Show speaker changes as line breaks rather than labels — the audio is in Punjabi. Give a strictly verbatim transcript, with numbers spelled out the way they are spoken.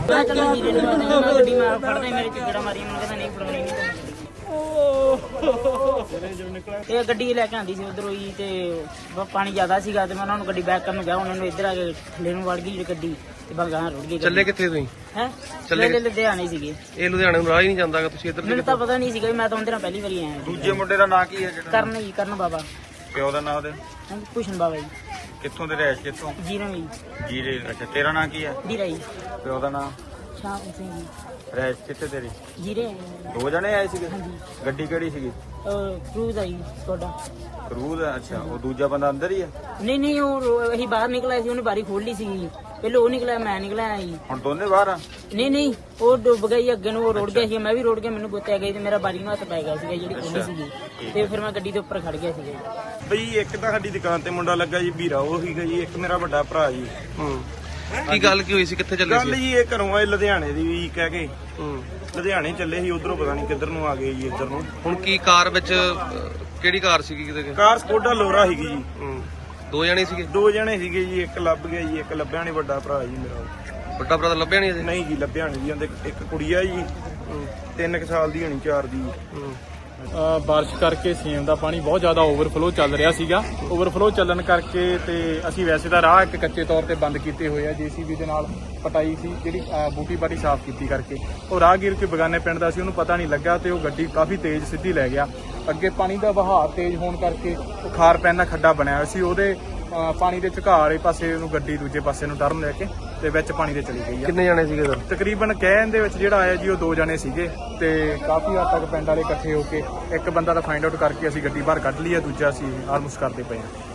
ਗੱਡੀ ਮਾਰ ਫੜਦੇ ਮੇਰੇ ਚਿੱਕੜਾ ਮਾਰੀ ਮੈਨੂੰ ਕਹਿੰਦਾ ਨਹੀਂ ਫੜਾਉਣੀ ਨਹੀਂ ਇਹ ਗੱਡੀ ਲੈ ਕੇ ਆਂਦੀ ਸੀ ਉਧਰੋਂ ਹੀ ਤੇ ਪਾਣੀ ਜ਼ਿਆਦਾ ਸੀਗਾ ਤੇ ਮੈਂ ਉਹਨਾਂ ਨੂੰ ਗੱਡੀ ਬੈਕ ਕਰਨ ਨੂੰ ਗਿਆ ਉਹਨਾਂ ਨੂੰ ਇੱਧਰ ਆ ਕੇ ਥੱਲੇ ਨੂੰ ਵੜ ਗਈ ਗੱਡੀ ਤੇ ਬਗਾਂ ਰੁੜ ਗਈ।
ਚੱਲੇ ਕਿੱਥੇ ਤੁਸੀਂ?
ਹੈ ਚੱਲੇ ਲੁਧਿਆਣੇ ਸੀਗੇ।
ਇਹ ਲੁਧਿਆਣੇ ਨੂੰ ਰਾਹ ਹੀ ਨਹੀਂ ਜਾਂਦਾਗਾ ਤੁਸੀਂ ਇੱਧਰ?
ਮੈਨੂੰ ਤਾਂ ਪਤਾ ਨਹੀਂ ਸੀਗਾ ਮੈਂ ਤਾਂ ਉਹਦੇ ਨਾਲ ਪਹਿਲੀ ਵਾਰੀ ਆਇਆ।
ਦੂਜੇ ਮੁੰਡੇ ਦਾ ਨਾਂ ਕੀ ਹੈ?
ਕਰਨ ਜੀ, ਕਰਨ ਬਾਬਾ।
ਪਿਓ ਦਾ ਨਾਂ ਉਹਦੇ?
ਭੂਸ਼ਣ ਬਾਬਾ ਜੀ।
ਕਿੱਥੋਂ ਦੇ ਰਹਿਸ਼ ਕਿੱਥੋਂ?
ਜੀਰੋ ਜੀ।
ਜੀਰੇ। ਅੱਛਾ, ਤੇਰਾ ਨਾਂ ਕੀ ਹੈ?
ਵੀਰਾ ਜੀ।
ਪਿਓ ਦਾ ਨਾਂ?
ਸ਼ਾਮ ਸਿੰਘ ਜੀ।
ਰਹਿਸ਼ ਕਿੱਥੇ ਤੇਰੀ?
ਜੀਰੇ।
ਦੋ ਜਣੇ ਆਏ ਸੀਗੇ? ਗੱਡੀ ਕਿਹੜੀ ਸੀਗੀ?
ਕਰੂਜ਼ ਆਈ ਤੁਹਾਡਾ।
ਕਰੂਜ਼? ਅੱਛਾ, ਉਹ ਦੂਜਾ ਬੰਦਾ ਅੰਦਰ ਹੀ ਹੈ?
ਨਹੀਂ ਨਹੀਂ ਉਹ ਅਸੀਂ ਬਾਹਰ ਨਿਕਲਿਆ ਸੀ, ਉਹਨੇ ਬਾਰੀ ਖੋਲ ਲਈ ਸੀ ਪਹਿਲਾਂ, ਉਹ ਨਿਕਲਿਆ ਮੈਂ ਨਿਕਲਿਆ ਜੀ।
ਹੁਣ ਦੋਨੇ ਬਾਹਰ ਆ?
ਨਹੀਂ ਨਹੀਂ ਉਹ ਡੁੱਬ ਗਈ ਅੱਗੇ ਨੂੰ, ਉਹ ਰੋੜ ਗਿਆ ਸੀ, ਮੈਂ ਵੀ ਰੋੜ ਗਿਆ, ਮੈਨੂੰ ਗੁੱਤਿਆ ਗਈ ਤੇ ਮੇਰਾ ਬਾਰੀ ਨੂੰ ਹੱਥ ਪੈ ਗਿਆ ਸੀਗਾ ਜਿਹੜੀ ਖੋਲੀ ਸੀਗੀ ਤੇ ਫਿਰ ਮੈਂ ਗੱਡੀ ਦੇ ਉੱਪਰ ਖੜ ਗਿਆ ਸੀਗਾ।
ਬਈ ਇੱਕ ਤਾਂ ਸਾਡੀ ਦੁਕਾਨ ਤੇ ਮੁੰਡਾ ਲੱਗਾ ਜੀ ਵੀਰਾ, ਉਹ ਸੀਗਾ ਜੀ। ਇੱਕ ਮੇਰਾ ਵੱਡਾ ਭਰਾ ਜੀ।
ਹੂੰ ਕੀ ਗੱਲ ਕੀ ਹੋਈ ਸੀ? ਕਿੱਥੇ ਚੱਲੇ
ਗੱਲ
ਸੀ?
ਜੀ ਇਹ ਘਰੋਂ ਆਏ ਲੁਧਿਆਣੇ ਦੀ ਵੀ ਕਹਿ ਕੇ।
ਹੂੰ
ਲੁਧਿਆਣੇ ਚੱਲੇ ਸੀ, ਉਧਰੋਂ ਪਤਾ ਨਹੀਂ ਕਿੱਧਰ ਨੂੰ ਆ ਗਏ ਜੀ, ਇੱਧਰ ਨੂੰ।
ਹੁਣ ਕੀ ਕਾਰ ਵਿੱਚ ਕਿਹੜੀ ਕਾਰ ਸੀਗੀ? ਕਿਤੇ
ਕਾਰ ਸਕੋਡਾ ਲੋਰਾ ਸੀਗੀ ਜੀ।
ਹੂੰ ਦੋ ਜਣੇ ਸੀਗੇ?
ਦੋ ਜਣੇ ਸੀਗੇ ਜੀ, ਇੱਕ ਲੱਭ ਗਿਆ ਜੀ, ਇੱਕ ਲੱਭਿਆ ਨਹੀਂ। ਵੱਡਾ ਭਰਾ ਜੀ ਮੇਰਾ।
ਵੱਡਾ ਭਰਾ ਤਾਂ ਲੱਭਿਆ ਨਹੀਂ ਅਜੇ?
ਨਹੀਂ ਜੀ, ਲੱਭਿਆ ਨਹੀਂ ਜੀ। ਉਹਦੇ ਇੱਕ ਕੁੜੀ ਆ ਜੀ, ਤਿੰਨ ਕੁ ਸਾਲ ਦੀ ਹੋਣੀ, ਚਾਰ ਦੀ।
ਹੂੰ
ਬਾਰਿਸ਼ ਕਰਕੇ ਸੇਮ ਦਾ ਪਾਣੀ ਬਹੁਤ ਜ਼ਿਆਦਾ ਓਵਰਫਲੋ ਚੱਲ ਰਿਹਾ ਸੀਗਾ। ਓਵਰਫਲੋ ਚੱਲਣ ਕਰਕੇ ਤੇ ਅਸੀਂ ਵੈਸੇ ਤਾਂ ਰਾਹ ਇੱਕ ਕੱਚੇ ਤੌਰ ਤੇ ਬੰਦ ਕੀਤੇ ਹੋਏ ਆ, ਜੀਸੀਬੀ ਦੇ ਨਾਲ ਪਟਾਈ ਸੀ ਜਿਹੜੀ ਬੂਟੀ ਬਾਟੀ ਸਾਫ਼ ਕੀਤੀ ਕਰਕੇ। ਉਹ ਰਾਹਗੀਰ ਕੋਈ ਬਗਾਨੇ ਪਿੰਡ ਦਾ ਸੀ, ਉਹਨੂੰ ਪਤਾ ਨਹੀਂ ਲੱਗਾ ਤੇ ਉਹ ਗੱਡੀ ਕਾਫੀ ਤੇਜ਼ ਸਿੱਧੀ ਲੈ ਗਿਆ। ਅੱਗੇ ਪਾਣੀ ਦਾ ਵਹਾਅ ਤੇਜ਼ ਹੋਣ ਕਰਕੇ ਉਹ ਖਾਰ ਪੈਣ ਦਾ ਖੱਡਾ ਬਣਿਆ ਹੋਇਆ ਸੀ, ਉਹਦੇ ਪਾਣੀ ਦੇ ਝੁਕਾਅ ਵਾਲੇ ਪਾਸੇ ਉਹਨੂੰ ਗੱਡੀ ਦੂਜੇ ਪਾਸੇ ਨੂੰ ਟਰਨ ਲੈ ਕੇ ਤੇ ਵਿੱਚ ਪਾਣੀ ਦੇ ਚਲੀ ਗਈ ਆ।
ਕਿੰਨੇ ਜਣੇ ਸੀਗੇ ਸਰ?
ਤਕਰੀਬਨ ਕਹਿਣ ਦੇ ਵਿੱਚ ਜਿਹੜਾ ਆਇਆ ਜੀ ਉਹ ਦੋ ਜਣੇ ਸੀਗੇ ਤੇ ਕਾਫੀ ਹੱਦ ਤੱਕ ਪਿੰਡ ਵਾਲੇ ਇਕੱਠੇ ਹੋ ਕੇ ਇੱਕ ਬੰਦਾ ਤਾਂ ਫਾਈਂਡ ਆਊਟ ਕਰਕੇ ਅਸੀਂ ਗੱਡੀ ਬਾਹਰ ਕੱਢ ਲਈ ਆ, ਦੂਜਾ ਅਸੀਂ ਆਲਮੋਸਟ ਕਰਦੇ ਪਏ ਆ।